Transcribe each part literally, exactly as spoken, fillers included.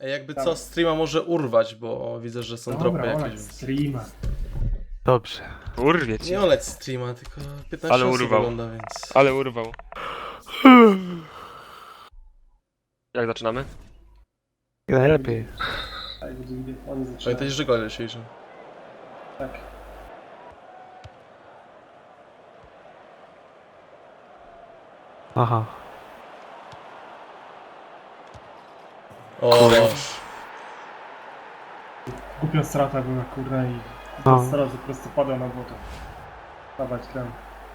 Ej, jakby co, Dawaj. streama może urwać, bo widzę, że są Dobra, dropy jakieś. olać Więc... streama. Dobrze. Urwie ci. Nie oleć streama, tylko piętnaście Ale osób urwał. ogląda, więc... Ale urwał. Jak zaczynamy? Jak najlepiej. Tak, będzie widać, oni zaczynają. Pamiętajcie, że gole się liczą. Tak. Aha. O, Głupia strata była, kurna, i No. no. Teraz po prostu pada na błoto. Dawać tam.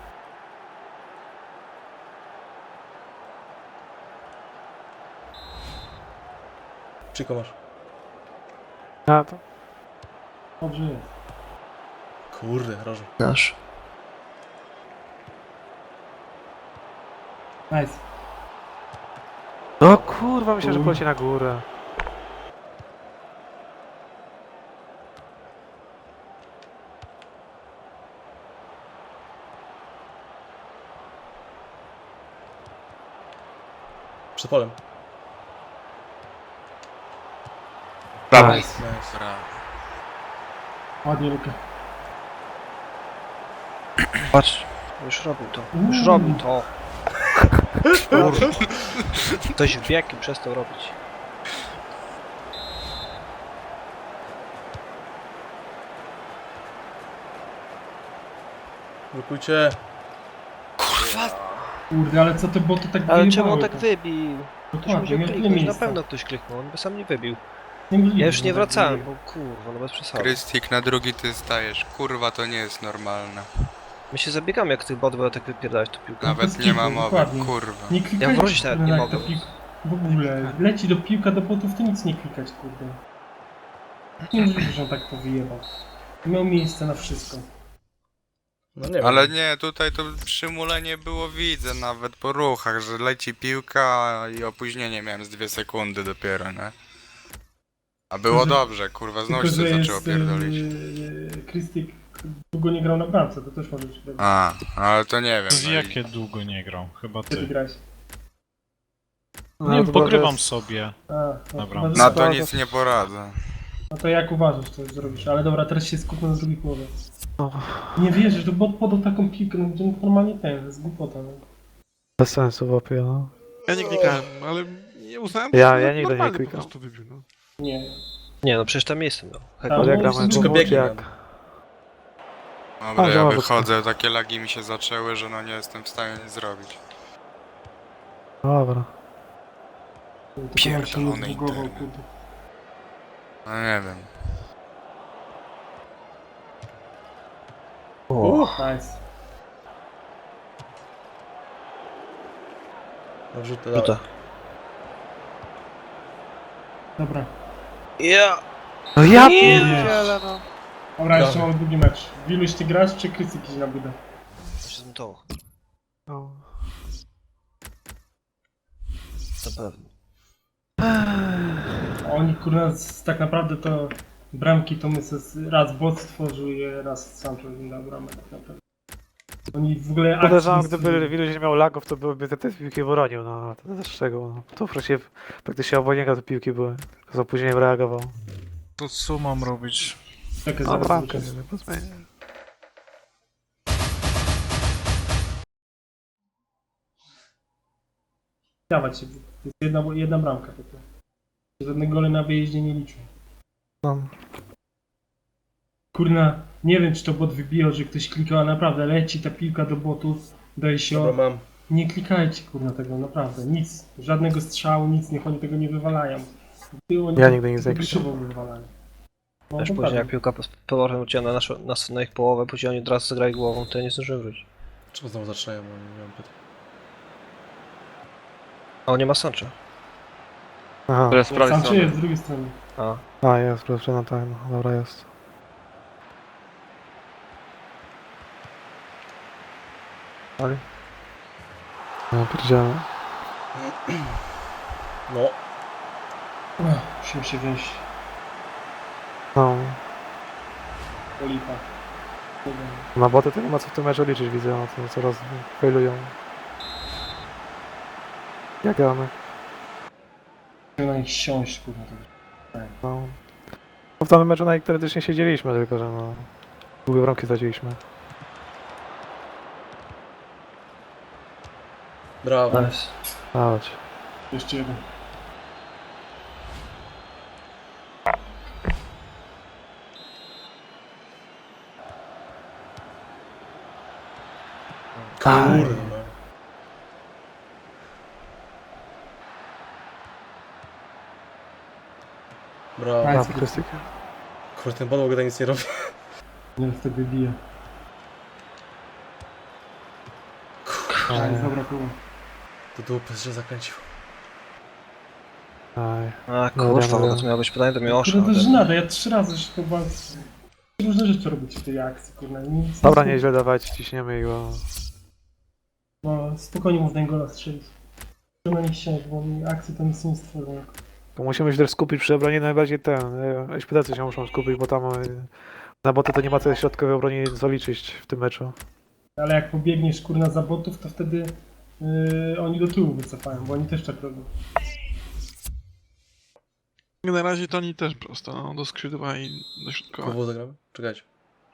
Czyko masz. A to. Dobrze jest. Kurde, rożu. Nasz. Nice. No kurwa, myślę, że poleci na górę. Przed polem. Dawaj. Nice. Ładnie Luka. Patrz, już robił to. Już Uuu. robił to. Kurwa. Ktoś wbiegł i przestał robić. Blokujcie. Kurde, ale co te boty tak Ale wyjebały czemu on tak to? wybił? Ktoś Dokładnie, musiał miał tyle kliknąć, na miejsca. pewno ktoś kliknął, on by sam nie wybił. Niemożliwe, Ja już że nie tak wracałem, wyjebał. bo kurwa, no bez przesady. Krystik, na drugi ty stajesz. Kurwa, to nie jest normalne. My się zabiegamy, jak tych bot tak wypierdalać tą piłkę. Nawet bez nie ma kitu, mowy, dokładnie. kurwa. Nie klikać, Ja wrócić nawet nie mogę. W ogóle, leci do piłka do botów, to nic nie klikać, kurde. Niemożliwe, że on tak to wyjebał. Miał miejsce na wszystko. No nie wiem. Ale nie, tutaj to przymulenie było, widzę nawet po ruchach, że leci piłka i opóźnienie miałem z dwie sekundy dopiero, nie? A było Tylko, że- dobrze, kurwa, znowu Tylko, że się zaczęło jest, pierdolić. yy, Krystik długo nie grał na bramce, to też może być dobrze. A, ale to nie wiem. Z no i- jakie długo nie grał? Chyba Gdzie ty ty. grałeś? No, Nie, to pogrywam jest- sobie. A, no, Dobra. chyba, że- Na to nic nie poradzę. no to jak uważasz, to zrobisz? Ale dobra, teraz się skupmy na drugiej połowie. No, Nie wierzysz, to bot podał taką piłkę, no gdzie normalnie ten, to jest głupota. No. bez sensu łapie, no. Ja nie klikałem, ale nie uznałem, Ja- że ja to nigdy nie normalny klikam. po prostu wybił, no. Nie. Nie no, przecież tam miejsce miał. Hek. Tam- Ale jak no, gramy wszystko głową, biegnie jak... nam. Dobra, A, ja zobacz. wychodzę, takie lagi mi się zaczęły, że no nie jestem w stanie nic zrobić. Dobra. To chyba się Pierdolony nie zbugował, internet. kurde. No nie wiem. Nice. Dobrze, to Rzuta. Dobra. Ja! No ja Nie pierdzielę, no. Dobra, jeszcze Dobra. mamy drugi mecz. Wiluś, ty grasz, czy Krystik idzie na budę? To się zmutowało. no. Na pewno. A oni kurwa z- tak naprawdę to bramki to my se- raz bot stworzył je, raz Sancho im dał bramę tak naprawdę. Oni w ogóle akcji Podejrzewam, nie gdyby stworzyli. Wiluś nie miał lagów, to byłyby te, te piłki bronił, no. To też czego, no. To wreszcie praktycznie obok niego te piłki były. Z opóźnieniem reagował. To co mam robić? Czekaj, No, zaraz bramkę, zobaczę. nie pozmienię. Dawać się. Jest jedna, jedna bramka tylko. Żadne gole na wyjeździe nie liczą. No. Kurna, nie wiem czy to bot wybijał, że ktoś klikał, a naprawdę leci ta piłka do botów, daje się. Dobra, mam. Nie klikajcie kurna tego, naprawdę. Nic, żadnego strzału, nic, niech oni tego nie wywalają. Ty, oni Ja nigdy nie tylko zaklikam. krzywo wywalają. No, Też to później jak prawda. piłka z powrotem ucięła na, naszą- na, na ich połowę, później oni od razu zagrali głową, to ja nie zdążyłem wrócić. Czemu znowu zaczynają? Bo nie mam pytań. A on nie ma Sancho. Aha. To jest z prawej Sancho strony. jest z drugiej strony. A, A, jest, proszę, no tak, no. Dobra, jest. Ale? No, pierdzielę. No. Ech, Musimy się wziąć No. do lipa. Na boty to nie ma co w tym meczu liczyć, widzę, no to coraz failują. Jak gramy? Musimy na nich siąść, kurwa. To. No. No w tamtym meczu na teoretycznie siedzieliśmy, tylko że no... Długie bramki straciliśmy. Brawo. Nice. Chodź. Jeszcze jeden. Kurde. no. Brawo. Nice. Brawo, Krystyk. Kurde, ten podłog nic nie robi. Nie, wtedy bije. Aj, Nice, dobra, kurwa. To dupy, że zakręcił. aj. A No, kurwa, dobra. bo to miało być pytanie do Miłosza. Kurde, to jest żenada, ja trzy razy już chyba... Różne rzeczy robić w tej akcji, kurwa. Nic, Dobra, nic- nieźle dawać, ciśniemy i go. No, spokojnie można im gola strzelić. To na nich siąść, bo oni akcji to nic nie stworzą. To musimy się też skupić przy obronie najbardziej ten. e, Szpitacy się muszą skupić, bo tam e, na boty to nie ma co środkowej obronie zaliczyć w tym meczu. Ale jak pobiegniesz kurna za botów, to wtedy yy, oni do tyłu wycofają, bo oni też tak robią. Na razie to oni też prosto, no, do skrzydła i do środkowa. Kogo zagramy? Czekajcie.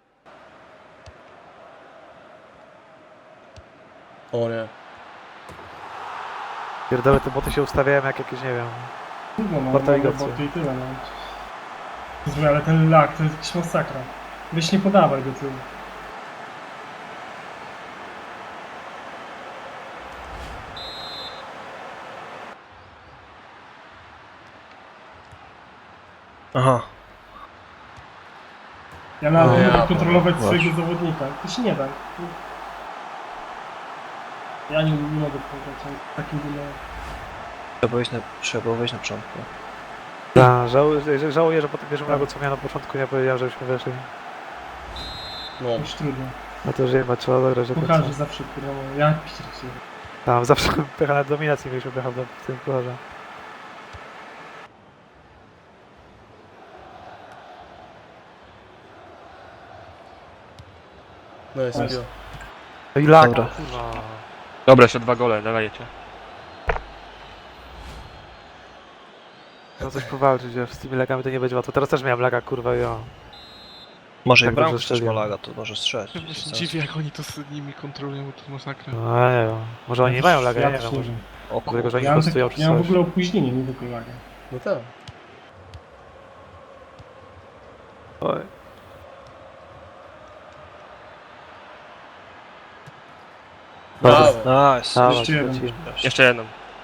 O nie. Pierdolę, te boty się ustawiają jak jakieś, nie wiem. Trudno, no, Warta mamy ligacja. boty i tyle, no. Zły, ale ten lag to jest jakiś masakra. Weź nie podawaj do tyłu. Aha. Ja nawet No, nie ja mogę kontrolować właśnie. swojego zawodnika. To się nie da. Ja nie, nie mogę kontrolować takim wymagam. Trzeba było wejść na, trzeba było wejść na początku. Ja, żałuję, że, żałuję, że po tym pierwszym lagu, co miałem na początku, nie powiedziałem, żebyśmy weszli. No. Już trudno. No to żyjemy, trzeba zagrać do Kucharze końca. zawsze kurwa, no, ja piszę. Tam zawsze pecha na dominacji mieliśmy pecha w tym kucharze. No jest Nice. piła. No i lag, Dobra. kurwa. Dobra, jeszcze dwa gole, dawajcie. No coś powalczyć, wiesz, z tymi lagami to nie będzie łatwo. Teraz też miałem laga, kurwa, i o. Może Tak jak bramkę dobrze też ma strzeliłem. laga, to może strzelać. Ja się dziwię, jak oni to z nimi kontrolują, bo to jest masakra. No ja nie wiem. Może oni nie mają laga, ja nie też wiem. nie Może. wiem. O Dlatego, że kurwa. oni Ja mam, prostują tak, czy ja mam w coś. ogóle opóźnienie, nie tylko lagę. No tak. Oj. Brawo. Nice. Dawaj, Jeszcze jeden. lecimy. Jeszcze jedną.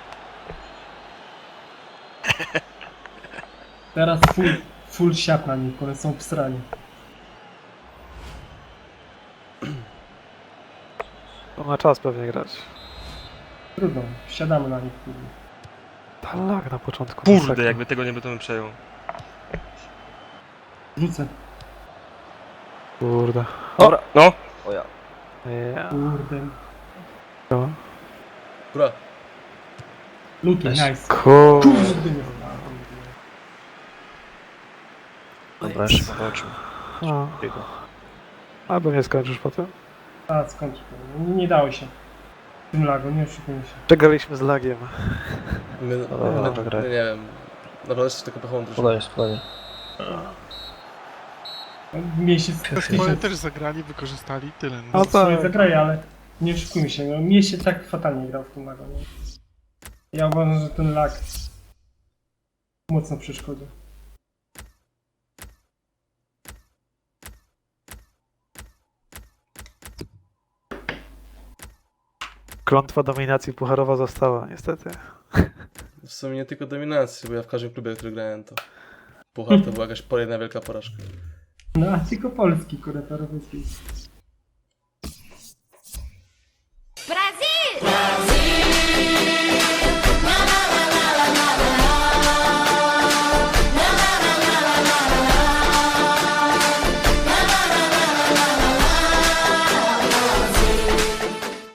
Teraz full, full siat na nich, one są wsrani. To ma czas pewnie grać. Trudno, siadamy na nich. Kurde. Ta lag na początku. Kurde, masakra. jakby tego nie by to bym przejął. Rzucę. Kurde. Dobra. No, O ja. Ja. Kurde. No. Góra. Luki, Nice. nice. Kurde. Kurde, nie Dobra, jeszcze powalczył. No. Albo nie skończysz potem. A, skończę. Nie, nie dało się. W tym lagu, nie oszukujmy się. Przegraliśmy z lagiem. My, Dobra, my, dobra, graj. nie wiem. Naprawdę jest tylko pechową drużyną. Spokojnie, spokojnie. Miesiąc Swoje też zagrali, wykorzystali, tyle. No. No swoje tak. zagraje, ale nie oszukujmy się. No, mnie się tak fatalnie grał w tym lagu. Nie? Ja uważam, że ten lag mocno przeszkodzi. Klątwa dominacji pucharowa została, niestety. W sumie nie tylko dominacji, bo ja w każdym klubie, który grałem, to Puchar to była jakaś jedna wielka porażka. No, a tylko polski, kurde, to europejski.